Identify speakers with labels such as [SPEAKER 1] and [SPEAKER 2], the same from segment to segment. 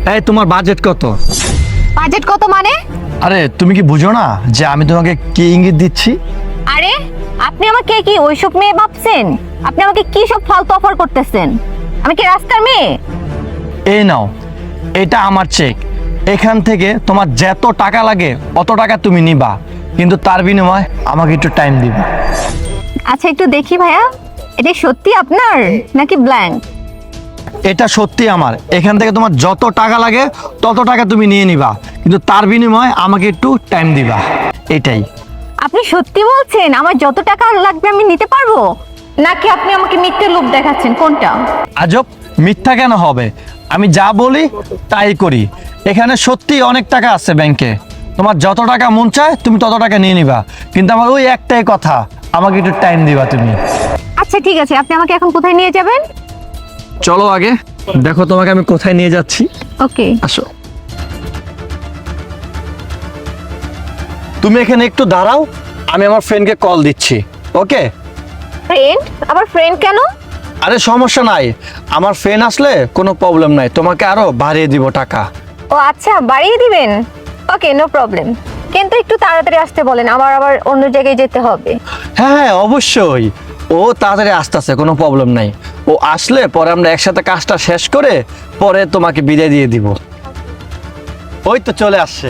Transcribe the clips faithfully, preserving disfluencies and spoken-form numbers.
[SPEAKER 1] এই তোমার বাজেট কত?
[SPEAKER 2] বাজেট কত মানে?
[SPEAKER 1] আরে তুমি কি বুঝো না যে আমি তোমাকে কি ইঙ্গিত দিচ্ছি?
[SPEAKER 2] আরে আপনি আমাকে কি ওইসব মেয়ে ভাবছেন? আপনি আমাকে কি সব ফালতু অফার করতেছেন? আমি কি রাস্তার মেয়ে?
[SPEAKER 1] এই নাও, এটা আমার চেক। এখান থেকে তোমার যত টাকা লাগে অত টাকা তুমি নিবা, কিন্তু তার বিনিময়ে আমাকে একটু টাইম দিবা।
[SPEAKER 2] আচ্ছা একটু দেখি ভাইয়া, এটা সত্যি আপনার নাকি ব্ল্যাঙ্ক?
[SPEAKER 1] এটা সত্যি আমার। এখান থেকে তোমার যত টাকা লাগে তত টাকা তুমি নিয়ে নিবা, কিন্তু তার বিনিময়ে আমাকে একটু টাইম দিবা, এটাই।
[SPEAKER 2] আপনি সত্যি বলছেন আমার যত টাকা লাগবে আমি নিতে পারবো, নাকি আপনি আমাকে মিথ্যে লোভ দেখাচ্ছেন? কোনটা?
[SPEAKER 1] আজব, মিথ্যা কেন হবে? আমি যা বলি তাই করি। এখানে সত্যি অনেক টাকা আছে ব্যাংকে, তোমার যত টাকা মন চায় তুমি তত টাকা নিয়ে নিবা, কিন্তু আমার ওই একটাই কথা, আমাকে একটু টাইম দিবা তুমি।
[SPEAKER 2] আচ্ছা ঠিক আছে, আপনি আমাকে এখন কোথায় নিয়ে যাবেন?
[SPEAKER 1] চলো আগে দেখো তোমাকে আমি কোথায় নিয়ে যাচ্ছি।
[SPEAKER 2] ওকে
[SPEAKER 1] আসো, তুমি এখানে একটু দাঁড়াও, আমি আমার ফ্রেন্ডকে কল দিচ্ছি। ওকে?
[SPEAKER 2] ফ্রেন্ড? আবার ফ্রেন্ড কেন?
[SPEAKER 1] আরে সমস্যা নাই, আমার ফ্রেন্ড আসলে কোনো প্রবলেম নাই, তোমাকে আরো বাড়িয়ে দিব টাকা।
[SPEAKER 2] ও আচ্ছা, বাড়িয়ে দিবেন। ওকে, নো প্রবলেম, কিন্তু একটু তাড়াতাড়ি আসতে বলেন, আমার আবার অন্য জায়গায় যেতে হবে।
[SPEAKER 1] হ্যাঁ হ্যাঁ অবশ্যই, ও তাড়াতাড়ি আসতেছে, কোনো প্রবলেম নাই। ও আসলে পরে আমরা একসাথে কাজটা শেষ করে পরে তোমাকে বিদায় দিয়ে দিব। ওই তো চলে আসছে।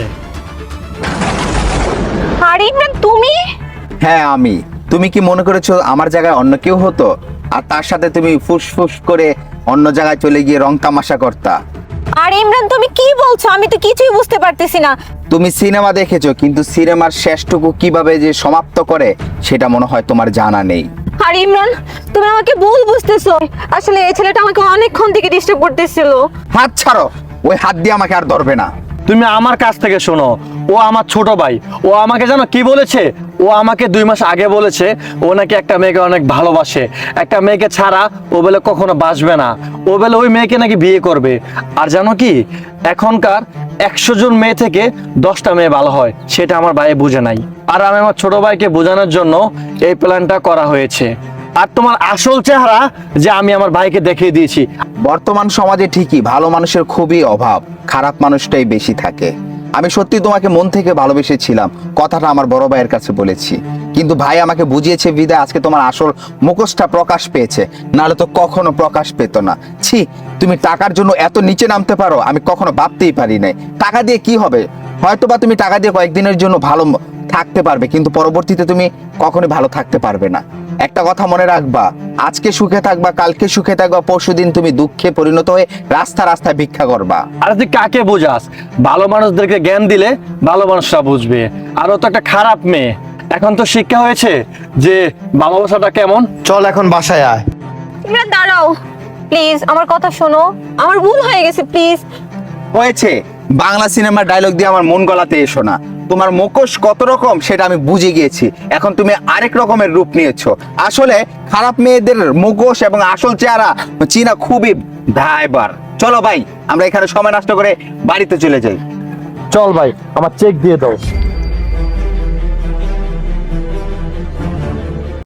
[SPEAKER 2] আরে ইমরান, তুমি?
[SPEAKER 3] হ্যাঁ আমি। তুমি কি মনে করেছো আমার জায়গায় অন্য কেউ হতো, আর তার সাথে তুমি ফুসফুস করে অন্য জায়গায় চলে গিয়ে রং তামাশা করতা?
[SPEAKER 2] আরে ইমরান, তুমি কি বলছো? আমি তো কিছুই বুঝতে পারতেছি না।
[SPEAKER 3] তুমি সিনেমা দেখেছো, কিন্তু সিনেমার শেষটুকু কিভাবে যে সমাপ্ত করে সেটা মনে হয় তোমার জানা নেই।
[SPEAKER 2] আরে ইমরান, তুমি আমাকে ভুল বুঝতেছো। আসলে এই ছেলেটা আমাকে অনেকক্ষণ থেকে ডিস্টার্ব করতেছিল।
[SPEAKER 3] হাত ছাড়ো, ওই হাত দিয়ে আমাকে আর ধরবে না।
[SPEAKER 1] তুমি আমার কাছ থেকে শোনো, ও আমার ছোট ভাই। ও আমাকে জানো কি বলেছে? ও আমাকে দুই মাস আগে বলেছে ও নাকি একটা মেয়েকে অনেক ভালোবাসে, একটা মেয়েকে ছাড়া ও বলে কখনো বাসবে না, ও বলে ওই মেয়েকে নাকি বিয়ে করবে। আর জানো কি, এখনকার একশো জন মেয়ে থেকে দশটা মেয়ে ভালো হয়, সেটা আমার ভাই বুঝে নাই। আর আমি আমার ছোট ভাইকে বোঝানোর জন্য এই প্ল্যানটা করা হয়েছে। আর তোমার আসল চেহারা যে আমি আমার ভাইকে দেখিয়ে দিয়েছি।
[SPEAKER 3] বর্তমান সমাজে ঠিকই ভালো মানুষের খুবই অভাব, খারাপ মানুষটাই বেশি থাকে। আমি সত্যি তোমাকে মন থেকে ভালোবেসেছিলাম, কথাটা আমার বড় ভাইয়ের কাছে বলেছি, কিন্তু ভাই আমাকে বুঝিয়েছে বিদায় আজকে তোমার আসল মুখোশটা প্রকাশ পেয়েছে, নাহলে তো কখনো প্রকাশ পেত না। ছি, তুমি টাকার জন্য এত নিচে নামতে পারো, আমি কখনো ভাবতেই পারি নাই। টাকা দিয়ে কি হবে? হয়তোবা তুমি টাকা দিয়ে কয়েকদিনের জন্য ভালো থাকতে পারবে, কিন্তু পরবর্তীতে তুমি কখনোই ভালো থাকতে পারবে না। একটা কথা মনে রাখবা, আজকে সুখে থাকবা, কালকে সুখে থাকবা, পরশুদিন তুমি দুঃখে পরিণত হয়ে রাস্তা রাস্তায় ভিক্ষা করবা।
[SPEAKER 1] আর তুই কাকে বোঝাস? ভালো মানুষদেরকে জ্ঞান দিলে ভালো মানুষরা বুঝবে। আর ও তো একটা খারাপ মেয়ে, এখন তো শিক্ষা হয়েছে যে ভালোবাসাটা কেমন। চল এখন বাসায় আয়।
[SPEAKER 2] ইমরান দাঁড়াও প্লিজ, আমার কথা শোনো, আমার ভুল হয়ে গেছে, প্লিজ।
[SPEAKER 3] হয়েছে, বাংলা সিনেমার ডায়লগ দিয়ে আমার মন গলাতে এসো না। তোমার মুখোশ কত রকম সেটা আমি বুঝে গিয়েছি, এখন তুমি আরেক রকমের রূপ নিয়েছো। আসলে খারাপ মেয়েদের মুখোশ এবং আসল চেহারা চিনা খুবই দায়বার। চলো ভাই, আমরা এখানে সময় নষ্ট করে বাড়িতে চলে যাই।
[SPEAKER 1] চল ভাই, আমার চেক দিয়ে দাও।